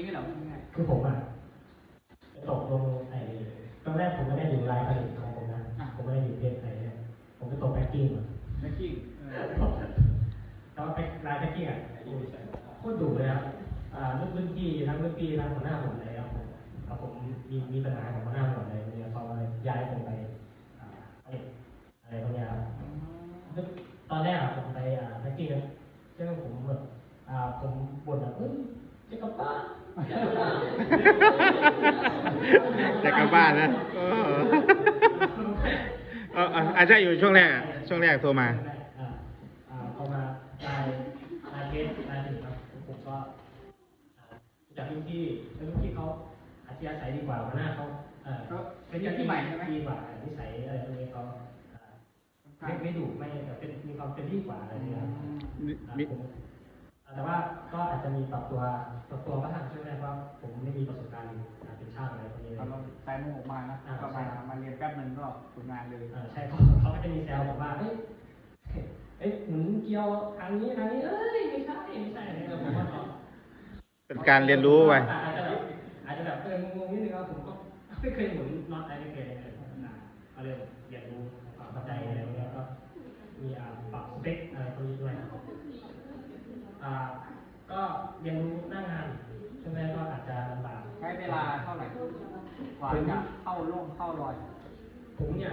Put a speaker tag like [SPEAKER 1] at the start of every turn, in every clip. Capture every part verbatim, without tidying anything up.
[SPEAKER 1] ไม่เหรอง่าย
[SPEAKER 2] คือผมอ่ะตกลงไอ้ตอนแรกผมไม่ได้อยู่รายผลิตของผมนะผมไม่ได้อยู่เพจไหนเนี่ยผมไปตกแพ็กกิ้งมา
[SPEAKER 1] แพ็กกิ้ง
[SPEAKER 2] แต่ว่าเป็นรายแพ็กกิ้งอ่ะโคตรดุเลยครับอ่ารุ่นรุ่นพี่ทั้งรุ่นพี่ทั้งหัวหน้าผมเลยครับผมแล้วผมมีมีปัญหาของหัวหน้าหมดเลยเนี่ยเขาเลยย้ายผมไปอ่าอะไรพวกนี้ครับตอนแรกผมไปอ่าแพ็กกิ้งใช่ไหมผมแบบอ่าผมบ่นแบบเฮ้ยจะกลับบ้าน
[SPEAKER 3] จะกลับบ้านนะเอออาจจะอยู่ช่วงแรกช่วงแรกโทรมา
[SPEAKER 2] โทรมาลายลายเกสลายถึงครับผมก็จากรุ่นพี่รุ่นพี่เขาอาชีพอาศัยดีกว่าหัวหน้าเขา
[SPEAKER 1] เป็นที่ใหม่ใช่ไหม
[SPEAKER 2] ดีกว่านิสัยอะไรพวกนี้เขาไม่ไม่ดุไม่แบบเป็นมีความเป็นที่กว่าอะไรอย่างเงี้ยแต่ว่าก็อาจจะมีปรับตัวปรับตัวบ้างใช่ไหมเพราะผมไม่มีประสบการณ์เป็นช่างอะไรพวกนี้
[SPEAKER 1] เราใส่หมวกมานะก็มามาเรียนแป๊บนึงก็ฝึกงานเลย
[SPEAKER 2] ใช่เขาเขาก็จะมีแซวบอกว่าเฮ้ยเอ้ยหมุนเกี่ยวทางนี้ทางนี้เอ้ยไม่ใช่ไม่ใช่อะไรแบบผมว่า
[SPEAKER 3] เป็นการเรียนรู้ไป
[SPEAKER 2] อาจจะแบบอาจจะแบบเอองงนิดนึงว่าผมก็ไม่เคยหมุนน็อตอะไรไม่เคยเลยก็เลยเรียนรู้ความเข้าใจอะไรเงี้ยก็มีปรับสเปคอะไรพวกนี้ด้วยอ่าก็เรียนรู้หน้างานใช่ไหมก็อาจจะลำบาก
[SPEAKER 1] ใช้เวลาเท่าไหร่กว่าจะเข้าร่วมเข้ารอย
[SPEAKER 2] ผมเนี่ย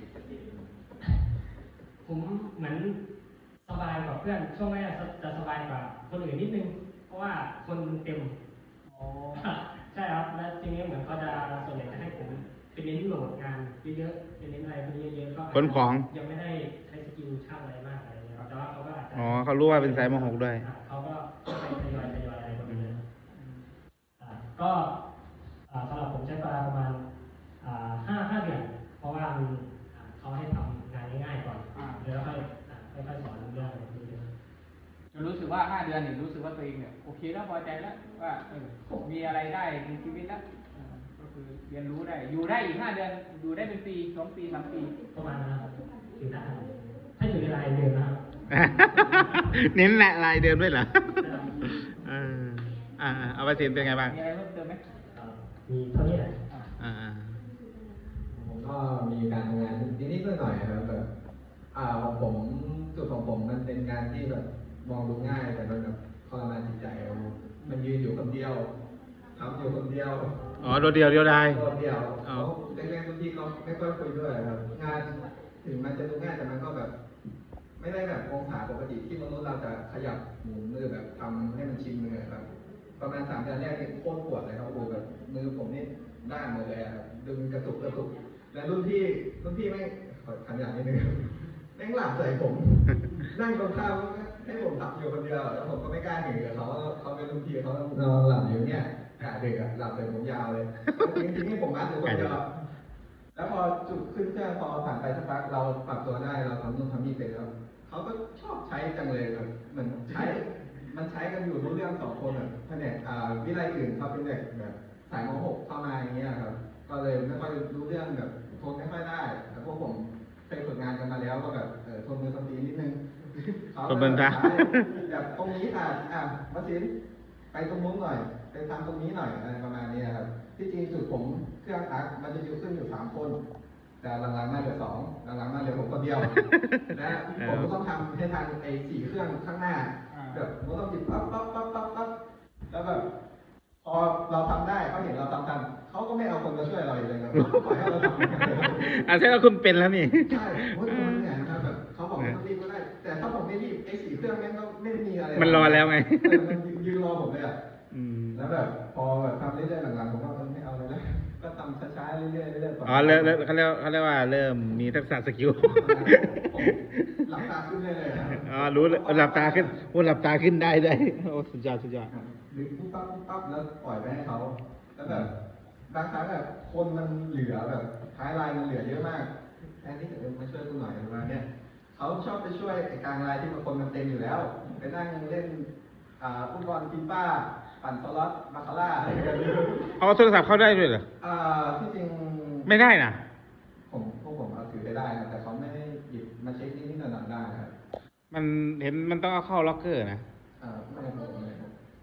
[SPEAKER 2] ผมเหมือนสบายกว่าเพื่อนช่วงแรกจะสบายกว่าคนอื่นนิดนึงเพราะว่าคนเต็มอ๋อใช่ครับและทีนี้เหมือนเขาจะส่วนใหญ่จะให้ผมเป็นเน้นโหลดงานเยอะๆเป็นเน้นอะไรพวกนี้เยอะๆก็
[SPEAKER 3] ขนของ
[SPEAKER 2] ยังไม่ได้ใช้สกิลช่างอะไรมากอะไรเงี้ยแต่ว่าเขาก็อาจจะ
[SPEAKER 3] อ๋อเขารู้ว่าเป็นสายมหกด้วย
[SPEAKER 2] เขาก็ไปทยอยทยอยอะไรแบบนี้ก็สำหรับผมใช้เวลาประมาณห้าห้าเดือนเพราะว่าเขาให้ทำงานง่ายๆก่อนแล้วค่อยค่อยๆสอนเรื่องอะไรพวกนี้
[SPEAKER 1] จนรู้สึกว่าห้าเดือนนี่รู้สึกว่าตัวเองเนี่ยโอเคแล้วพอใจแล้วว่าเออมีอะไรได้ในชีวิตแล้วก็คือเรียนรู้ได้อยู่ได้อีกห้าเดือนอยู่ได้เป็นปีสองปีสามปี
[SPEAKER 2] ประมาณนั้นอยู่ได้ถ้าอยู่ในรายเดือนนะครับ
[SPEAKER 3] เน้นแหละรายเดือนด้วยเหรอเอออ่าเอาไปสินเป็นไงบ้าง
[SPEAKER 1] มีอะไรเพิ่มเติมไหม
[SPEAKER 2] มีเท่านี้แหละ
[SPEAKER 3] อ่า
[SPEAKER 4] ผมก็มีการทำงานนิดๆหน่อยๆครับแบบอ่าของผมจุดของผมมันเป็นงานที่แบบมองดูง่ายแต่มันแบบทรมานจิตใจมันยืนอยู่คนเดียวทำอยู่คนเดียว
[SPEAKER 3] อ๋อโดดเดียวเดียวได้
[SPEAKER 4] โดดเดียวเขาแรกๆบางทีเขาไม่ค่อยคุยด้วยครับงานถึงมันจะดูง่ายแต่มันก็แบบไม่ได้แบบองศาปกติที่มนุษย์เราจะขยับหมุนมือแบบทำให้มันชินมือครับประมาณสามเดือนแรกนี่โคตรปวดเลยครับโอ้แบบมือผมนี่ด้านหมดเลยครับดึงกระตุกกระตุกและรุ่นพี่รุ่นพี่ไม่ขยันนิดนึงแม่งหลับใส่ผมนั่งตรงข้ามให้ผมหลับอยู่คนเดียวแล้วผมก็ไม่กล้าหนีกับเขาเขาเป็นรุ่นพี่เขานอนหลับอยู่เนี่ยกะดึกอ่ะหลับเลยผมยาวเลยจริงๆนี่ผมมัดอยู่คนเดียวแล้วพอจุดขึ้นเครื่องพอผ่านไปสักพักเราปรับตัวได้เราทำนู่นทำนี่เป็นแล้วเขาก็ชอบใช้จังเลยแบบเหมือนใช้มันใช้กันอยู่รู้เรื่องสองคนแบบแผนกวิไลอื่นเขาเป็นเด็กแบบสายม .หก เข้ามาอย่างเงี้ยครับก็เลยไม่ค่อยรู้เรื่องแบบทนไม่ค่อยได้แต่พวกผมเคยฝึกงานกันมาแล้วก็แบบเออทนมือทนตีนิดนึงเขาแบบแบบตรงนี้ค่ะอ่ะวัชินไปตรงนู้นหน่อยไปทำตรงนี้หน่อยอะไรประมาณนี้ครับที่จริงจุดผมเครื่องอักมันจะอยู่ขึ้นอยู่สามคนแต่หลังๆมาเหลือสองหลังๆมาเหลือผมคนเดียวและผมก็ต้องทำให้ทันไอ้สี่เครื่องข้างหน้าแบบผมต้องหยิบปั๊บปั๊บปั๊บปั๊บปั๊บแล้วแบบพอเราทำได้เขาเห็นเราทำทันเขาก็ไม่เอาคนมาช่วยเราอีกเลยครับปล่อยให้เราทำ
[SPEAKER 3] อ่ะใช่ว่าคุณเป็นแล้วนี่
[SPEAKER 4] ใช่เพราะมันเนี่ยนะครับแบบเขาบอกว่ารีบก็ได้แต่ถ้าผมไม่รีบไอ้สี่เครื่องนั้นก็ไม่มีอะไร
[SPEAKER 3] มันรอแล้วไง
[SPEAKER 4] มันยืนรอผมเลยอ่ะแล้วแบบพอแบบทำเรื่อยๆหลังๆผมก็ไม่เอาเลยแล้วก็ทำช้าๆเรื่อยๆเรื่อยๆ
[SPEAKER 3] อ๋อเริ่มเขาเรียกเขาเรียกว่าเริ่มมีทักษะสกิล
[SPEAKER 4] หลับตาขึ้นได้เลย
[SPEAKER 3] อ๋อรู้หลับตาขึ้นพูดหลับตาขึ้นได้ด้วยโอ้สุดยอดสุดยอด
[SPEAKER 4] หรือปุ๊บปั๊บปุ๊บปั๊บแล้วปล่อยไปให้เขาแล้วแบบบางครั้งแบบคนมันเหลือแบบท้ายไลน์มันเหลือเยอะมากแทนที่จะมาช่วยกูหน่อยประมาณนี้เขาชอบไปช่วยกลางไลน์ที่มันคนมันเต็มอยู่แล้วไปนั่งเล่นฟุตบอลฟีฟ่าปั่นสล็อตมาคาร่าอะไรกัน
[SPEAKER 3] เอาโทรศัพท์เข้าได้ด้วยเหรอ
[SPEAKER 4] อ่าที่จริง
[SPEAKER 3] ไม่ได้นะ
[SPEAKER 4] ผมพวกผมเอาถือไปได้นะแต่เขาไม่ได้หยิบมาเช็คนิดๆหน่อยๆได้ครับ
[SPEAKER 3] มันเห็นมันต้องเอาเข้าล็อกเกอร์นะ
[SPEAKER 4] อ่าไม่ผมไม่ผม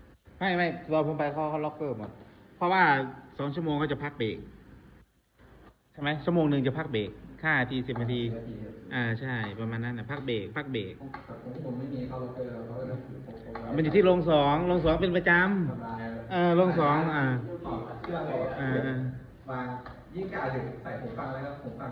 [SPEAKER 3] ไม่ไม่ตอนผมไปเขาเขาล็อกเกอร์หมดเพราะว่าสองชั่วโมงเขาจะพักเบรกใช่ไหมชั่วโมงหนึ่งจะพักเบรกห้านาทีสิบนาทีอ่าใช่ประมาณนั้นนะพักเบรกพักเบรก
[SPEAKER 4] ของผมไม่มีเข้าล็อกเกอร์เขาก็เลยผมผม
[SPEAKER 3] มันอยู่ที่โรงสองโรงสองเป็นประจ
[SPEAKER 4] สบาย
[SPEAKER 3] ำเออโรงสองอ่า
[SPEAKER 4] ถอดเสื้อถอด
[SPEAKER 3] อ่าอ่า
[SPEAKER 4] วางยิ่งกาดึกใส่หูฟังแล้วก็หูฟัง